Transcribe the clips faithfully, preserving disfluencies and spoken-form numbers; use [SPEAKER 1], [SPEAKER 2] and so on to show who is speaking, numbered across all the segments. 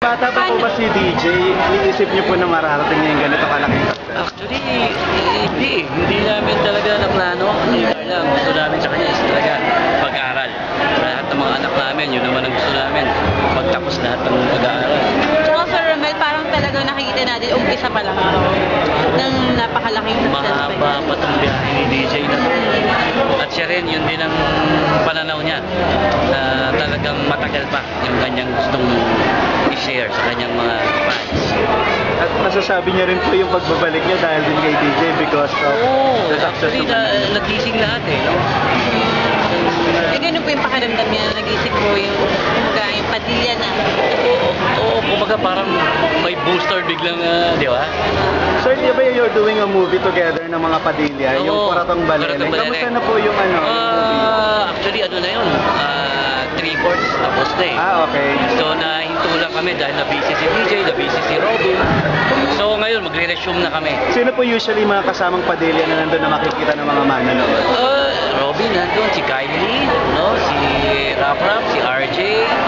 [SPEAKER 1] bata pa po ba si D J, iniisip niyo po na mararating niya yung ganito kalaking success?
[SPEAKER 2] Actually, hindi. Hindi namin talaga naplano. Hindi lang. Gusto namin sa kanya is talaga pag-aaral. Lahat ng mga anak namin, yun naman ang gusto namin. Pagtapos lahat ng pag-aaral.
[SPEAKER 3] So, Sir Romel, parang talaga nakikita natin, umpisa pa lang ito ng napakalaking success.
[SPEAKER 2] Mahaba pa itong biyahe ni D J na to. At siya rin, yun din ang pananaw niya na talagang matagal pa yung kanyang gustong i-share sa kanyang mga fans.
[SPEAKER 1] At masasabi niya rin po yung pagbabalik niya dahil din kay D J because of
[SPEAKER 2] Oo,
[SPEAKER 1] the success
[SPEAKER 2] actually
[SPEAKER 1] ng
[SPEAKER 2] na, nagising lahat eh. No?
[SPEAKER 3] Eh, ganun po yung pakiramdam niya, nag-isip ko yung, kumbaga, yung padilya na.
[SPEAKER 2] Oo, oo, kumbaga parang may booster biglang, uh, di ba?
[SPEAKER 1] Sir, di ba you're doing a movie together ng mga Padilla, yung
[SPEAKER 2] Oo,
[SPEAKER 1] Kuratang Balele?
[SPEAKER 2] Kuratang Balele.
[SPEAKER 1] Kamusta na po yung ano? yung movie?
[SPEAKER 2] Ah, actually, ano na yun? Ah, three-fourths tapos na eh.
[SPEAKER 1] Ah, okay.
[SPEAKER 2] So, nahinto lang kami dahil na-busy si D J, na-busy si Robin. So, ngayon, magre-resume na kami.
[SPEAKER 1] Sino po usually mga kasamang Padilla na nandun na makikita ng mga manonood?
[SPEAKER 2] Uh, Robin nandun, si Kylie, no? Si Rap Rap, si R J.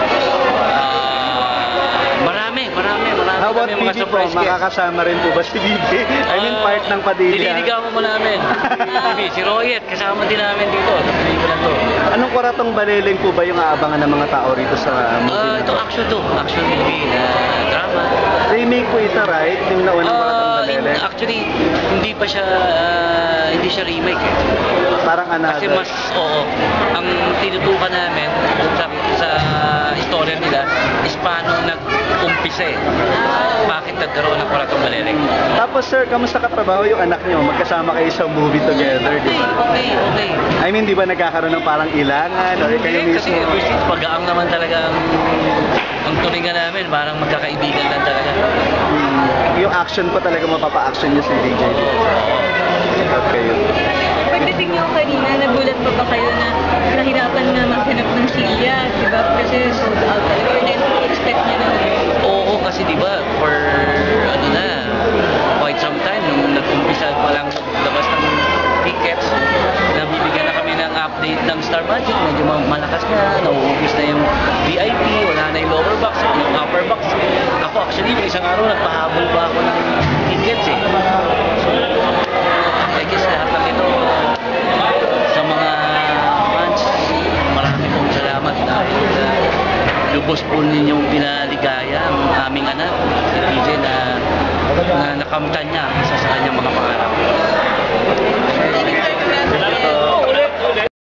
[SPEAKER 2] Ah, marami, marami, marami.
[SPEAKER 1] How about
[SPEAKER 2] kami
[SPEAKER 1] P
[SPEAKER 2] mga
[SPEAKER 1] D po?
[SPEAKER 2] surprise guests.
[SPEAKER 1] Makakasama rin po ba si D J? I mean,
[SPEAKER 2] Ah,
[SPEAKER 1] part ng Padilla.
[SPEAKER 2] Nililigawan mo namin. T V, si Royet, kasama din namin dito sa pelikula to.
[SPEAKER 1] Anong Kuratang Balele po ba yung aabangan ng mga tao rito sa movie?
[SPEAKER 2] Ah,
[SPEAKER 1] na
[SPEAKER 2] ito
[SPEAKER 1] to?
[SPEAKER 2] action to, action movie na drama.
[SPEAKER 1] Remake po ito, right? Yung naunang Kuratang
[SPEAKER 2] Ah,
[SPEAKER 1] Balele.
[SPEAKER 2] in- actually, hindi pa siya, ah, hindi siya remake eh.
[SPEAKER 1] Parang another.
[SPEAKER 2] Kasi mas, oo, ang tinutukan namin sa, sa istorya nila is paano nag-umpisa eh. Bakit nagkaroon ng Kuratang Balele.
[SPEAKER 1] Tapos sir, kamusta katrabaho yung anak niyo? Magkasama kayo sa movie together, di
[SPEAKER 2] Okay,
[SPEAKER 1] ba?
[SPEAKER 2] okay, okay.
[SPEAKER 1] I mean, di ba nagkakaroon ng parang ilangan? Or kayo
[SPEAKER 2] Hindi,
[SPEAKER 1] mismo?
[SPEAKER 2] kasi ever since pag-aang naman talaga ang, ang tulingan namin, parang magkakaibigan lang talaga.
[SPEAKER 1] Hmm, yung action pa talaga mapapa-action niyo si D J. Okay.
[SPEAKER 3] Pagdating niyo kanina, nagulat pa ba kayo na nahirapan na maghanap ng silya, di ba? Kasi sold out talaga. Or na-expect niyo na.
[SPEAKER 2] Oo, kasi di ba for ano na, quite some time, nung nag-umpisa pa lang labas ng tickets, nabibigyan na kami ng update ng Star Magic, medyo ma- malakas na, nauubos na yung V I P, wala na yung lower box, yung upper box. Ako actually, yung isang araw, nagpahabol pa ako ng tickets eh. So, I guess lahat ng ito, sa mga fans, marami pong salamat dahil uh, lubos po ninyong pinaligaya ang aming anak, si D J, na, na nakamtan niya isa sa kanyang mga pangarap.
[SPEAKER 3] Thank you, Sir Romel.